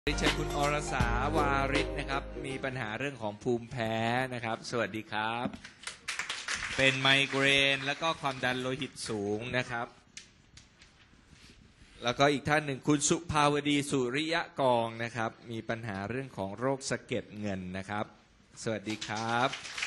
เชิญคุณอรสาวาริศนะครับมีปัญหาเรื่องของภูมิแพ้นะครับสวัสดีครับเป็นไมเกรนแล้วก็ความดันโลหิตสูงนะครับแล้วก็อีกท่านหนึ่งคุณสุภาวดีสุริยะกองนะครับมีปัญหาเรื่องของโรคสะเก็ดเงินนะครับสวัสดีครับ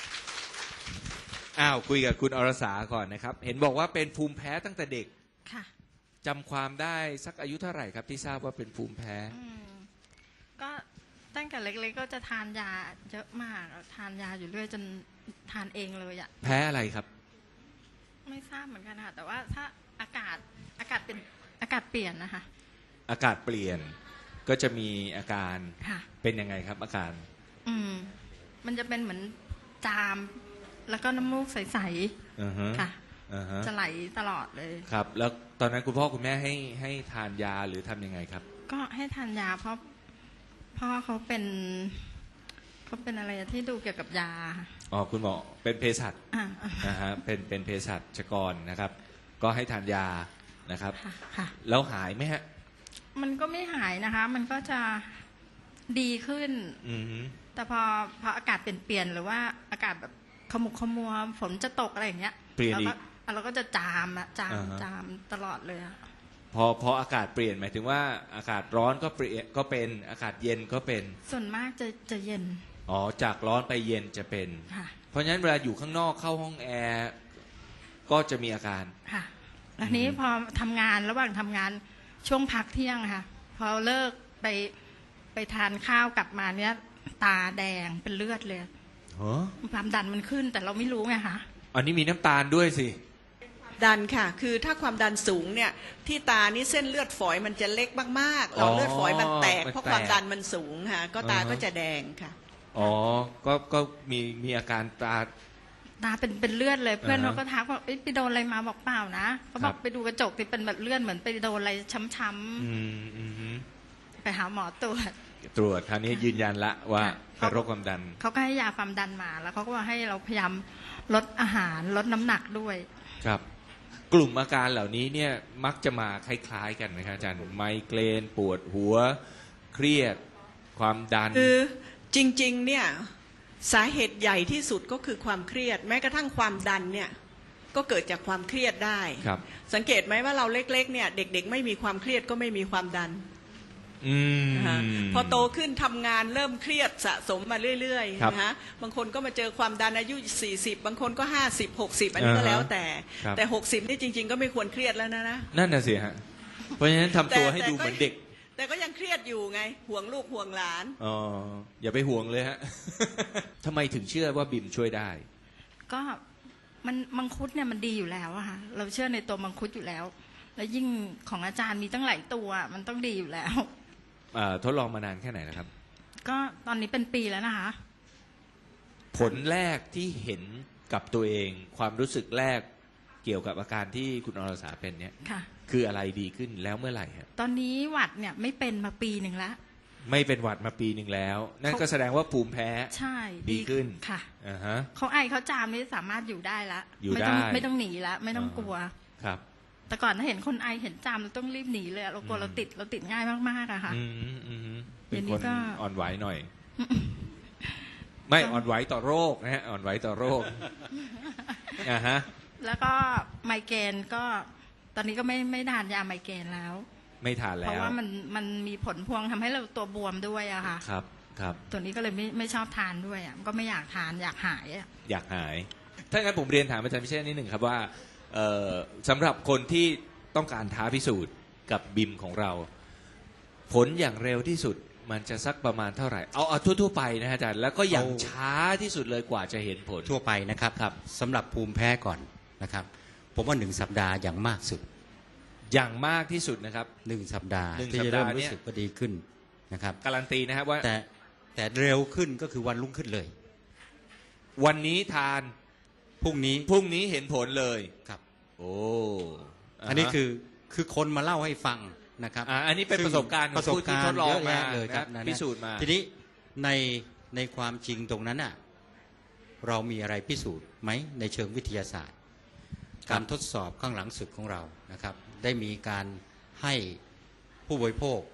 คุยกับคุณอรสาก่อนนะครับเห็นบอกว่าเป็นภูมิแพ้ตั้งแต่เด็กค่ะจำความได้สักอายุเท่าไหร่ครับที่ทราบว่าเป็นภูมิแพ้ก็ตั้งแต่เล็กๆก็จะทานยาเยอะมากทานยาอยู่เรื่อยจนทานเองเลยอะแพ้อะไรครับไม่ทราบเหมือนกันค่ะแต่ว่าถ้าอากาศเป็นอากาศเปลี่ยนนะคะอากาศเปลี่ยนก็จะมีอาการเป็นยังไงครับอาการมันจะเป็นเหมือนจามแล้วก็น้ำมูกใสๆค่ะจะไหลตลอดเลยครับแล้วตอนนั้นคุณพ่อคุณแม่ให้ทานยาหรือทำยังไงครับก็ให้ทานยาเพราะพ่อเขาเป็นอะไรที่ดูเกี่ยวกับยาอ๋อคุณหมอเป็นเภสัชนะฮะเป็นเภสัชกรนะครับก็ให้ทานยานะครับแล้วหายไหมฮะมันก็ไม่หายนะคะมันก็จะดีขึ้นแต่พออากาศเปลี่ยนหรือว่าอากาศแบบขมุกขมัวฝนจะตกอะไรอย่างเงี้ยเปลี่ยนอีกเราก็จะจามตลอดเลยพออากาศเปลี่ยนหมายถึงว่าอากาศร้อนก็เปลี่ยนก็เป็นอากาศเย็นก็เป็นส่วนมากจะเย็นอ๋อจากร้อนไปเย็นจะเป็นเพราะฉะนั้นเวลาอยู่ข้างนอกเข้าห้องแอร์ก็จะมีอาการค่ะแล้วนี้พอทำงานระหว่างทำงานช่วงพักเที่ยงค่ะพอเลิกไปทานข้าวกลับมาเนี้ยตาแดงเป็นเลือดเลยความดันมันขึ้นแต่เราไม่รู้ไงคะอันนี้มีน้ำตาลด้วยสิดันค่ะคือถ้าความดันสูงเนี่ยที่ตานี่เส้นเลือดฝอยมันจะเล็กมากๆหลอดเลือดฝอยมันแตกเพราะความดันมันสูงค่ะก็ตาก็จะแดงค่ะอ๋อก็มีอาการตาเป็นเลือดเลยเพื่อนเขาก็ทักว่าไปโดนอะไรมาบอกเปล่านะเขาบอกไปดูกระจกที่เป็นแบบเลือดเหมือนไปโดนอะไรช้ำๆไปหาหมอตรวจคราวนี้ยืนยันละว่าเป็นโรคความดันเขาก็ให้ยาความดันมาแล้วเขาก็ว่าให้เราพยายามลดอาหารลดน้ำหนักด้วยครับกลุ่มอาการเหล่านี้เนี่ยมักจะมาคล้ายๆกันไหมครับอาจารย์ไมเกรนปวดหัวเครียดความดันคือจริงๆเนี่ยสาเหตุใหญ่ที่สุดก็คือความเครียดแม้กระทั่งความดันเนี่ยก็เกิดจากความเครียดได้สังเกตไหมว่าเราเล็กๆเนี่ยเด็กๆไม่มีความเครียดก็ไม่มีความดันพอโตขึ้นทำงานเริ่มเครียดสะสมมาเรื่อยๆนะฮะบางคนก็มาเจอความดันอายุ40บางคนก็50 60อันนี้ก็แล้วแต่60นี่จริงๆก็ไม่ควรเครียดแล้วนะนั่นน่ะสิฮะเพราะฉะนั้นทำตัวให้ดูเหมือนเด็กแต่ก็ยังเครียดอยู่ไงห่วงลูกห่วงหลานอ๋ออย่าไปห่วงเลยฮะทำไมถึงเชื่อว่าบิมช่วยได้ก็มังคุดเนี่ยมันดีอยู่แล้วอะค่ะเราเชื่อในตัวมังคุดอยู่แล้วแล้วยิ่งของอาจารย์มีตั้งหลายตัวมันต้องดีอยู่แล้วทดลองมานานแค่ไหนนะครับก็ตอนนี้เป็นปีแล้วนะคะผลแรกที่เห็นกับตัวเองความรู้สึกแรกเกี่ยวกับอาการที่คุณอรสาเป็นเนี่ยคืออะไรดีขึ้นแล้วเมื่อไหร่ครับตอนนี้หวัดเนี่ยไม่เป็นมาปีหนึ่งแล้วไม่เป็นหวัดมาปีหนึ่งแล้วนั่นก็แสดงว่าภูมิแพ้ใช่ดีขึ้นค่ะเขาไอเขาจามนี่สามารถอยู่ได้ละไม่ต้องหนีละไม่ต้องกลัวครับแต่ก่อนถ้าเห็นคนไอเห็นจามเราต้องรีบหนีเลยเรากลัวเราติดง่ายมากๆอะค่ะเป็นคนอ่อนไหวหน่อยไม่อ่อนไหวต่อโรคนะฮะอ่อนไหวต่อโรคแล้วก็ไมเกรนก็ตอนนี้ก็ไม่ทานยาไมเกรนแล้วไม่ทานแล้วเพราะว่ามันมีผลพวงทำให้เราตัวบวมด้วยอะค่ะครับตัวนี้ก็เลยไม่ชอบทานด้วยอะก็ไม่อยากทานอยากหายอยากหายถ้างั้นผมเรียนถามอาจารย์พิเชษนิดหนึ่งครับว่าสำหรับคนที่ต้องการท้าพิสูจน์กับบิมของเราผลอย่างเร็วที่สุดมันจะสักประมาณเท่าไหร่เอาทั่วไปนะอาจารย์แล้วก็อย่างช้าที่สุดเลยกว่าจะเห็นผลทั่วไปนะครับสำหรับภูมิแพ้ก่อนนะครับผมว่า1 สัปดาห์อย่างมากสุดอย่างมากที่สุดนะครับ 1 สัปดาห์ที่จะเริ่มรู้สึกว่าดีขึ้นนะครับการันตีนะครับว่าแต่เร็วขึ้นก็คือวันรุ่งขึ้นเลยวันนี้ทานพรุ่งนี้เห็นผลเลยครับโอ้อันนี้คือคนมาเล่าให้ฟังนะครับอันนี้เป็นประสบการณ์ที่ทดลองมาเลยครับพิสูจน์มาทีนี้ในความจริงตรงนั้นน่ะเรามีอะไรพิสูจน์ไหมในเชิงวิทยาศาสตร์การทดสอบข้างหลังสุดของเรานะครับได้มีการให้ผู้บริโภค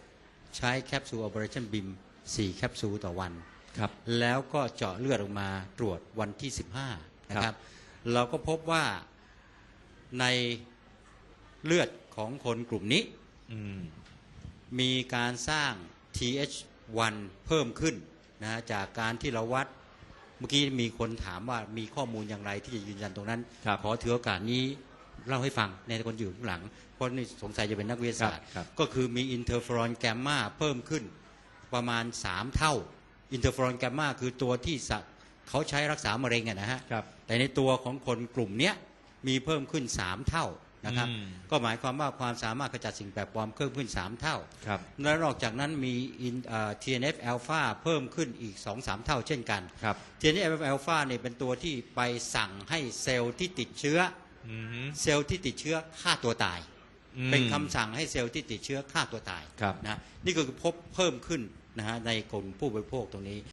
ใช้แคปซูล Operation BIM 4 แคปซูลต่อวันครับแล้วก็เจาะเลือดออกมาตรวจวันที่ 15 นะครับ เราก็พบว่าในเลือดของคนกลุ่มนี้อืมมีการสร้าง TH1 เพิ่มขึ้นนะจากการที่เราวัดเมื่อกี้มีคนถามว่ามีข้อมูลอย่างไรที่จะยืนยันตรงนั้นครับขอถือโอกาสนี้เล่าให้ฟังในคนอยู่ข้างหลัง เพราะนี่สงสัยจะเป็นนักวิทยาศาสตร์ครับก็คือมีอินเทอร์เฟอรอนแกมมาเพิ่มขึ้นประมาณ 3 เท่าอินเทอร์เฟอรอนแกมมาคือตัวที่เขาใช้รักษามะเร็งนะฮะครับแต่ในตัวของคนกลุ่มเนี้ยมีเพิ่มขึ้น 3 เท่านะครับอืมก็หมายความว่าความสามารถขจัดสิ่งแปลกปลอมเพิ่มขึ้น 3 เท่าครับและนอกจากนั้นมีTNF อ l p h a เพิ่มขึ้นอีก 2-3 เท่าเช่นกันครับ TNF อ l p h a เนี่ยเป็นตัวที่ไปสั่งให้เซลล์ที่ติดเชื้ออืมเซลล์ที่ติดเชื้อฆ่าตัวตายอืมเป็นคำสั่งให้เซลล์ที่ติดเชื้อฆ่าตัวตายครับนะนี่ก็คือพบเพิ่มขึ้นนะฮะในกลุ่มผู้บริโภคตรงนี้